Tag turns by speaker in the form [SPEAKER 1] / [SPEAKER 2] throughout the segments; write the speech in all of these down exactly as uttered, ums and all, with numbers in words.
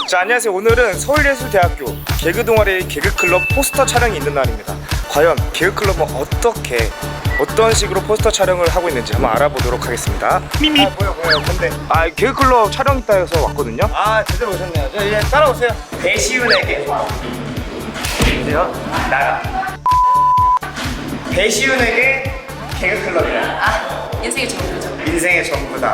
[SPEAKER 1] 자, 안녕하세요. 오늘은 서울예술대학교 개그동아리 개그클럽 포스터 촬영이 있는 날입니다. 과연 개그클럽은 어떻게 어떤 식으로 포스터 촬영을 하고 있는지 한번 알아보도록 하겠습니다. 미미. 아, 뭐야 뭐야 근데 아 개그클럽 촬영 있다 해서 왔거든요. 아 제대로 오셨네요. 자, 이제 따라오세요. 배시윤에게 보세요. 나가. 배시윤에게 개그클럽이라.
[SPEAKER 2] 아, 인생의 전부죠.
[SPEAKER 1] 인생의 전부다.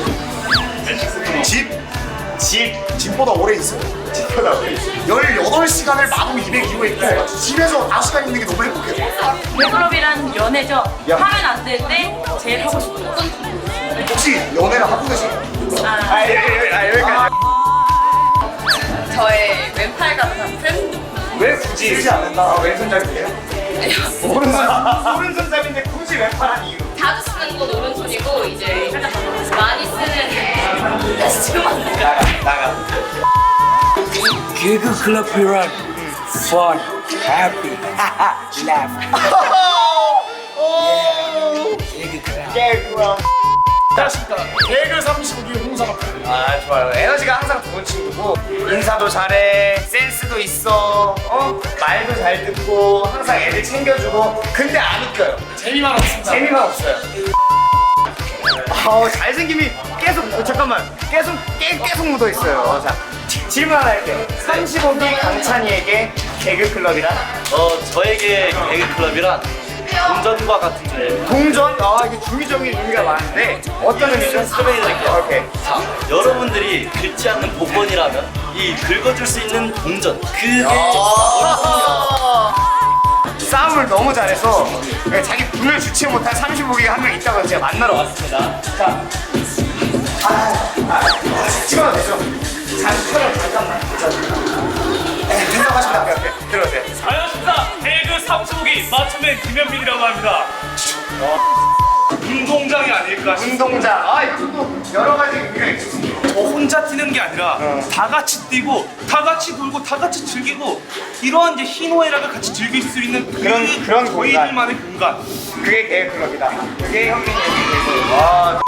[SPEAKER 3] 집?
[SPEAKER 1] 집.
[SPEAKER 3] 집보다 오래 있어요.
[SPEAKER 1] 집보다 오래 있어.
[SPEAKER 3] 열여덟 시간을 마구 이백이호에 있고 집에서 다섯 시간 있는 게 너무 행복해요.
[SPEAKER 2] 개그클럽이란 연애죠.
[SPEAKER 1] 야.
[SPEAKER 2] 하면 안 될 때 제일 하고 싶은 건
[SPEAKER 3] 혹시 연애를 하고 계세요?
[SPEAKER 2] 아,
[SPEAKER 1] 아, 여기, 여기, 아, 여기까지.
[SPEAKER 2] 저의 왼팔 같은
[SPEAKER 1] 왜 굳이 쓰지 않는다? 아, 왼손잡이세요? 오른손, 오른손잡인데 굳이 왼팔한 이유?
[SPEAKER 2] 자주 쓰는 건 오른손이고 이제 살짝 많이 쓰는 다시 지금 안 돼요.
[SPEAKER 1] 나가, 나가.
[SPEAKER 4] 개그 클럽이란 fun, happy, laugh.
[SPEAKER 1] 개그랑.
[SPEAKER 3] 안녕하십니까. 개그 삼십오 기 홍사갑.
[SPEAKER 1] 아, 좋아요. 에너지가 항상 좋은 친구고, 인사도 잘해, 센스도 있어, 어? 말도 잘 듣고, 항상 애들 챙겨주고, 근데 안 웃겨요.
[SPEAKER 3] 재미만 없습니다.
[SPEAKER 1] 재미만 없어요. 어, 잘생김이 계속, 어, 잠깐만. 계속, 깨, 계속 묻어 있어요. 자, 질문 하나 할게요. 삼십오 기 강찬이에게 개그클럽이란?
[SPEAKER 5] 어, 저에게 개그클럽이란 동전과 같은 존재입니다.
[SPEAKER 1] 동전? 아, 이게 중의적인 의미가 많은데, 어떤 의미죠?
[SPEAKER 5] 설명해 드릴게요.
[SPEAKER 1] 오케이.
[SPEAKER 5] 자, 여러분들이 긁지 않는 복권이라면 이 긁어줄 수 있는 동전, 그게
[SPEAKER 1] 싸움을 너무 잘해서 자기 분을 주체 못한 삼십오 기가 한 명 있다고 제가 만나러 왔습니다. 자, 아, 아, 찍어도 되죠? 잠깐만, 잠깐만. 생각하시면 돼요. 오케이, 들어오세요.
[SPEAKER 6] 안녕하십니까. 개그 삼십오 기 맞춤맨 김현민이라고 합니다. 운동장이 아닐까 싶습니다.
[SPEAKER 1] 운동장. 아, 이것도 여러 가지 의미가 있습니다.
[SPEAKER 6] 저 혼자 뛰는 게 아니라 다 같이 뛰고 다 같이 놀고 다 같이 즐기고 이러한 이제 희노애락을 같이 즐길 수 있는
[SPEAKER 1] 그런-
[SPEAKER 6] 그
[SPEAKER 1] 그런 공간.
[SPEAKER 6] 저희들만의 공간.
[SPEAKER 1] 그게 개그클럽이다. 그게 현민이 얘기에서. 와.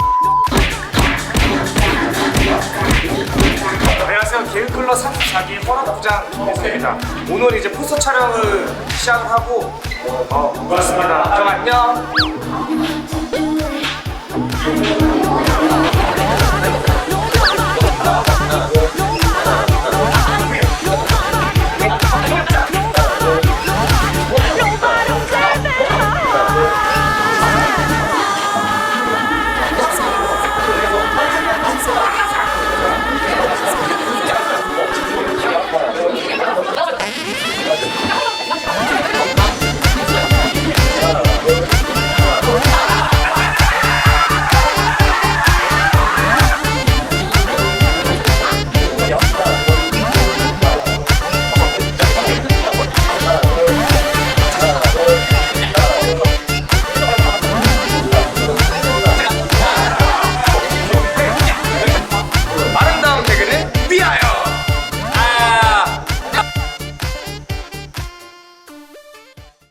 [SPEAKER 1] 안녕하세요. 개그클럽 삼십사 기 허락부장 김혜성입니다. 오늘 이제 포스터 촬영을 시작을 하고 어, 그렇습니다. 그럼 안녕.